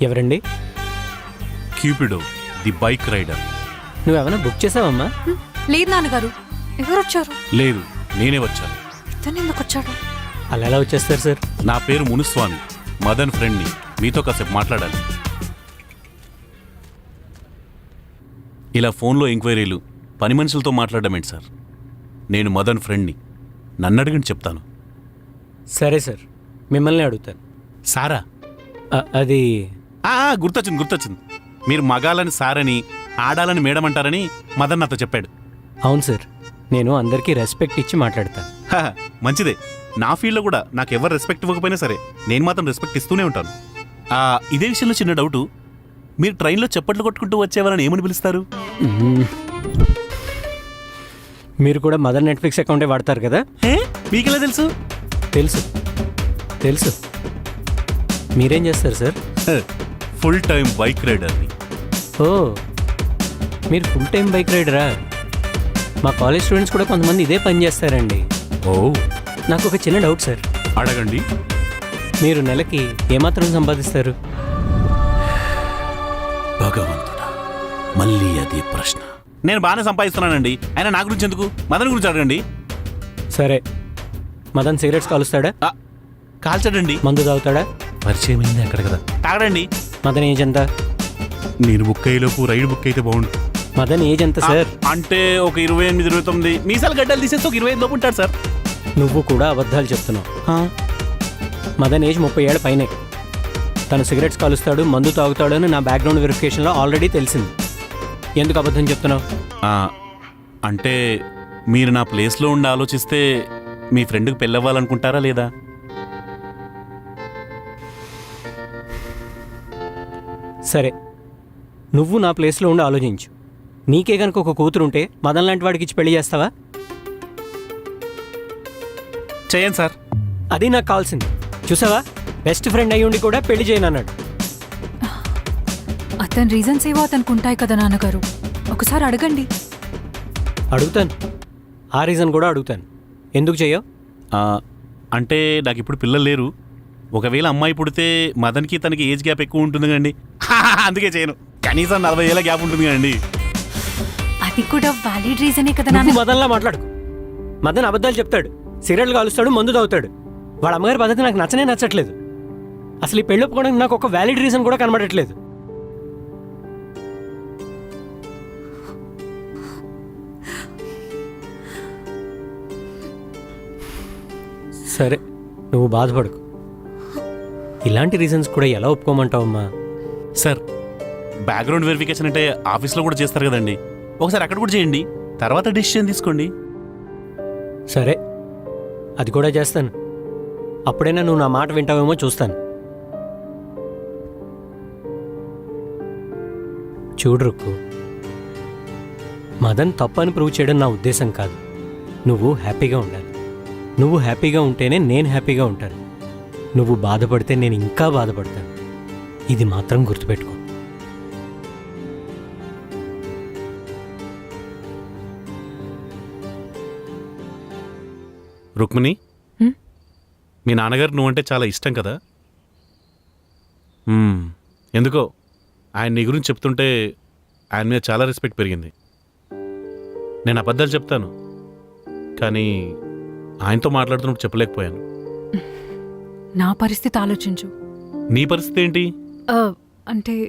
ఎవరండి? Cupido the bike rider. నువ్వేమైనా book చేసావమ్మా? లేదు నాన్నగారు. ఎవరు వచ్చారు? లేదు, నేనే వచ్చాను. ఇతను ఎందుకు వచ్చాడు? అలా ఎలా వచ్చేస్తారు సార్? నా పేరు మునుస్వామి, మదన్ ఫ్రెండ్ని. మీతో కాసేపు మాట్లాడాలి. ఇలా ఫోన్లో ఎంక్వైరీలు, పని మనుషులతో మాట్లాడడం ఏంటి సార్? నేను మదన్ ఫ్రెండ్ని. నన్ను అడిగిన చెప్తాను. సరే సార్, మిమ్మల్ని అడుగుతాను. సారా? అది గుర్తొచ్చింది. మీరు మగాలని సారని, ఆడాలని మేడం అంటారని మదన్ నాతో చెప్పాడు. అవును సార్, నేను అందరికీ రెస్పెక్ట్ ఇచ్చి మాట్లాడతాను. మంచిదే. నా ఫీల్డ్లో కూడా నాకు ఎవరు రెస్పెక్ట్ ఇవ్వకపోయినా సరే నేను మాత్రం రెస్పెక్ట్ ఇస్తూనే ఉంటాను. ఇదే విషయంలో చిన్న డౌటు, మీరు ట్రైన్లో చప్పట్లు కొట్టుకుంటూ వచ్చేవారని ఏమని పిలుస్తారు? మీరు కూడా మదర్ నెట్ఫ్లిక్స్ అకౌంటే వాడతారు కదా? మీకెలా తెలుసు? తెలుసు. మీరేం చేస్తారు సార్? ఫుల్ టైం బైక్ రైడర్ని. ఓ, మీరు ఫుల్ టైం బైక్ రైడరా? మా కాలేజ్ స్టూడెంట్స్ కూడా కొంతమంది ఇదే పని చేస్తారండి. ఓ, నాకు ఒక చిన్న డౌట్ సార్. అడగండి. మీరు నెలకి ఏమాత్రం సంపాదిస్తారు? భగవంతుడా, మళ్ళీ అదే ప్రశ్న. నేను బాగానే సంపాదిస్తున్నానండి. అయినా నా గురించి ఎందుకు? మదన్ గురించి అడగండి. సరే, మదన్ సిగరెట్స్ కాలుస్తాడా? కాల్చడండి. మందు తాగుతాడా? పరిచయం అయింది అక్కడ కదా. తాగడండి. మదన్ ఏజ్ ఎంత? నేను బుక్ అయ్యేలోపు రైడ్ బుక్ అయితే బాగుండు. మదన్ ఏజ్ ఎంత సార్? అంటే ఒక 28, 29. మీసాలు గడ్డలు తీసేస్తే ఒక 25 లోపు ఉంటాడు సార్. నువ్వు కూడా అబద్ధాలు చెప్తున్నావు. మదన్ ఏజ్ 30 ఏళ్ల పైనే. తను సిగరెట్స్ కాలుస్తాడు, మందు తాగుతాడు అని నా బ్యాక్గ్రౌండ్ వెరిఫికేషన్లో ఆల్రెడీ తెలిసింది. ఎందుకు అబద్ధం చెప్తున్నావు? అంటే మీరు నా ప్లేస్లో ఉండి ఆలోచిస్తే మీ ఫ్రెండ్కి పెళ్ళవ్వాలనుకుంటారా లేదా? సరే, నువ్వు నా ప్లేస్లో ఉండి ఆలోచించు. నీకే కనుక ఒక కూతురుంటే మదన్ లాంటి వాడికి ఇచ్చి పెళ్లి చేస్తావా? చేయండి సార్. అది నాకు కావాల్సింది. చూసావా, బెస్ట్ ఫ్రెండ్ అయ్యి ఉండి కూడా పెళ్లి చేయనన్నాడు. అతని రీజన్స్ ఏవో అతనికి ఉంటాయి కదా నాన్నగారు. ఒకసారి అడగండి. అడుగుతాను, ఆ రీజన్ కూడా అడుగుతాను. ఎందుకు చెయ్యవు? అంటే నాకు ఇప్పుడు పిల్లలు లేరు. ఒకవేళ అమ్మాయి పుడితే మదన్కి తనకి ఏజ్ గ్యాప్ ఎక్కువ ఉంటుంది కండి. అందుకే చేయను. కనీసం 40 ఏళ్ళ గ్యాప్ ఉంటుంది కండి. అది కూడా వ్యాలిడ్ రీజనే కదా నువ్వు నాన్న. మదన్లా మాట్లాడుకో. మదన్ అబద్ధాలు చెప్తాడు, సిగరెట్లు కాలుస్తాడు, మందు తాగుతాడు. వాళ్ళ అమ్మగారి పద్ధతి నాకు నచ్చట్లేదు. అసలు ఈ పెళ్ళి ఒప్పుకోవడానికి నాకు ఒక వ్యాలిడ్ రీజన్ కూడా కనబడట్లేదు. సరే, నువ్వు బాధపడకు. ఇలాంటి రీజన్స్ కూడా ఎలా ఒప్పుకోమంటావమ్మా? సార్, బ్యాక్గ్రౌండ్ వెరిఫికేషన్ అంటే ఆఫీస్లో కూడా చేస్తారు కదండి. ఒకసారి అక్కడ కూడా చేయండి, తర్వాత డెసిషన్ తీసుకోండి. సరే, అది కూడా చేస్తాను. అప్పుడైనా నువ్వు నా మాట వింటావేమో చూస్తాను. చూడు రుక్కు, మదన్ తప్పని ప్రూవ్ చేయడం నా ఉద్దేశం కాదు. నువ్వు హ్యాపీగా ఉండాలి. నువ్వు హ్యాపీగా ఉంటేనే నేను హ్యాపీగా ఉంటాను. నువ్వు బాధపడితే నేను ఇంకా బాధపడతాను. ఇది మాత్రం గుర్తుపెట్టుకో. రుక్మిణి, మీ నాన్నగారు నువ్వంటే చాలా ఇష్టం కదా? ఎందుకో ఆయన నీ గురించి చెప్తుంటే ఆయన మీద చాలా రెస్పెక్ట్ పెరిగింది. నేను అబద్ధాలు చెప్తాను, కానీ ఆయనతో మాట్లాడుతున్నప్పుడు చెప్పలేకపోయాను. నా పరిస్థితి ఆలోచించు. నీ పరిస్థితి ఏంటి? అంటే